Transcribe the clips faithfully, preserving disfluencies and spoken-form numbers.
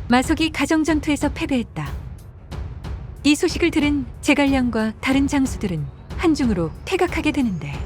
마속이 가정전투에서 패배했다. 이 소식을 들은 제갈량과 다른 장수들은 한중으로 퇴각하게 되는데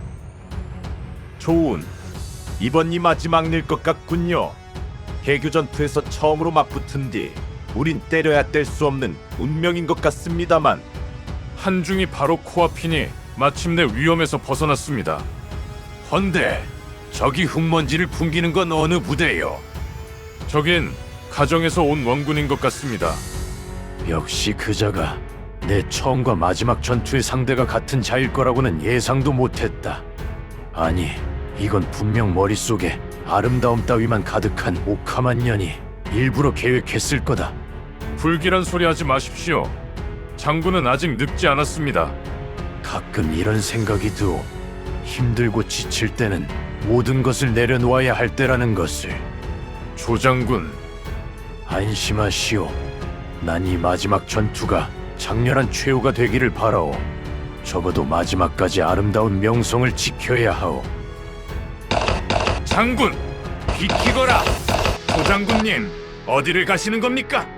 좋은. 이번이 마지막 일 것 같군요. 개교 전투에서 처음으로 맞붙은 뒤 우린 때려야 뗄 수 없는 운명인 것 같습니다만. 한중이 바로 코앞이니 마침내 위험에서 벗어났습니다. 헌데 저기 흙먼지를 풍기는 건 어느 부대요? 저긴 가정에서 온 원군인 것 같습니다. 역시 그자가 내 처음과 마지막 전투의 상대가 같은 자일 거라고는 예상도 못했다. 아니, 이건 분명 머릿속에 아름다움 따위만 가득한 오카만 년이 일부러 계획했을 거다. 불길한 소리 하지 마십시오. 장군은 아직 늙지 않았습니다. 가끔 이런 생각이 들어. 힘들고 지칠 때는 모든 것을 내려놓아야 할 때라는 것을. 조장군, 안심하시오. 난 이 마지막 전투가 장렬한 최후가 되기를 바라오. 적어도 마지막까지 아름다운 명성을 지켜야 하오. 장군, 비키거라! 조장군님, 어디를 가시는 겁니까?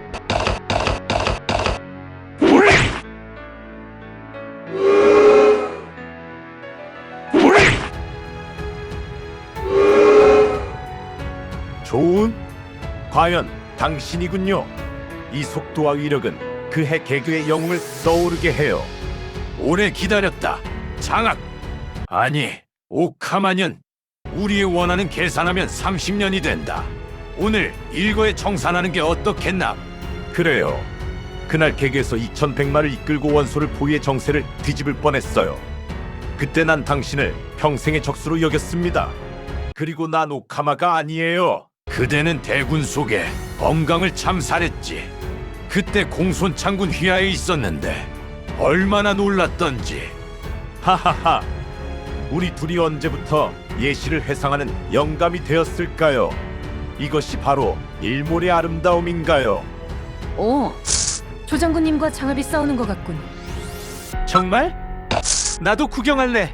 좋은. 과연 당신이군요. 이 속도와 위력은 그해 개교의 영웅을 떠오르게 해요. 오래 기다렸다. 장악. 아니, 오카마년. 우리의 원하는 계산하면 삼십 년이 된다. 오늘 일거에 청산하는 게 어떻겠나? 그래요. 그날 개교에서 이천백마를 이끌고 원소를 포위의 정세를 뒤집을 뻔했어요. 그때 난 당신을 평생의 적수로 여겼습니다. 그리고 난 오카마가 아니에요. 그대는 대군 속에 엄강을 참살했지. 그때 공손 창군 휘하에 있었는데 얼마나 놀랐던지. 하하하. 우리 둘이 언제부터 예시를 회상하는 영감이 되었을까요? 이것이 바로 일몰의 아름다움인가요? 오, 조장군님과 장합이 싸우는 것 같군. 정말? 나도 구경할래.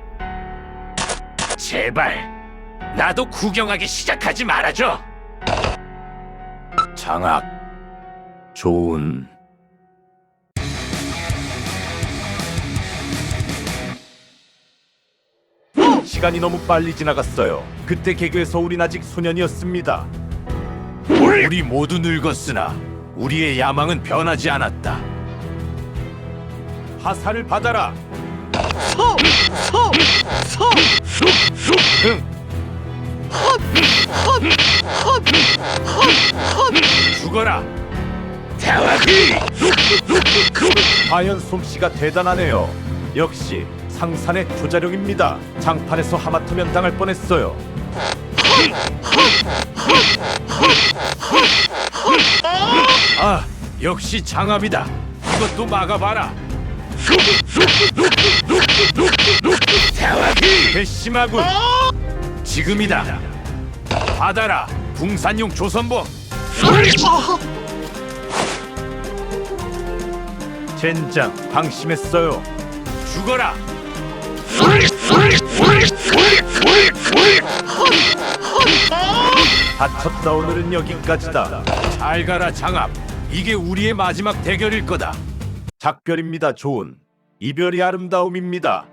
제발 나도 구경하기 시작하지 말아줘. 장악. 좋은. 시간이 너무 빨리 지나갔어요. 그때 개교에서 우린 아직 소년이었습니다. 우리 모두 늙었으나 우리의 야망은 변하지 않았다. 화살을 받아라. 죽어라. 과연 솜씨가 대단하네요. 역시 상산의 조자룡입니다. 장판에서 하마터면 당할 뻔했어요. 아, 역시 장압이다. 이것도 막아봐라. 괘씸하군. 지금이다. 받아라. 붕산용 조선봉. 젠장, 방심했어요. 죽어라. 다쳤다. 오늘은 여기까지다. 잘 가라 장압. 이게 우리의 마지막 대결일 거다. 작별입니다. 좋은. 이별이 아름다움입니다.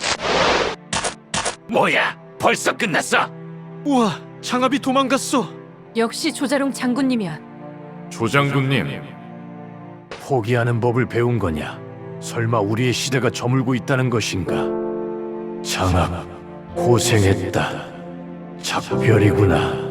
뭐야? 벌써 끝났어? 우와, 장압이 도망갔어. 역시 조자룡 장군님이야. 조장군님, 포기하는 법을 배운 거냐? 설마 우리의 시대가 저물고 있다는 것인가? 장압, 고생했다. 작별이구나.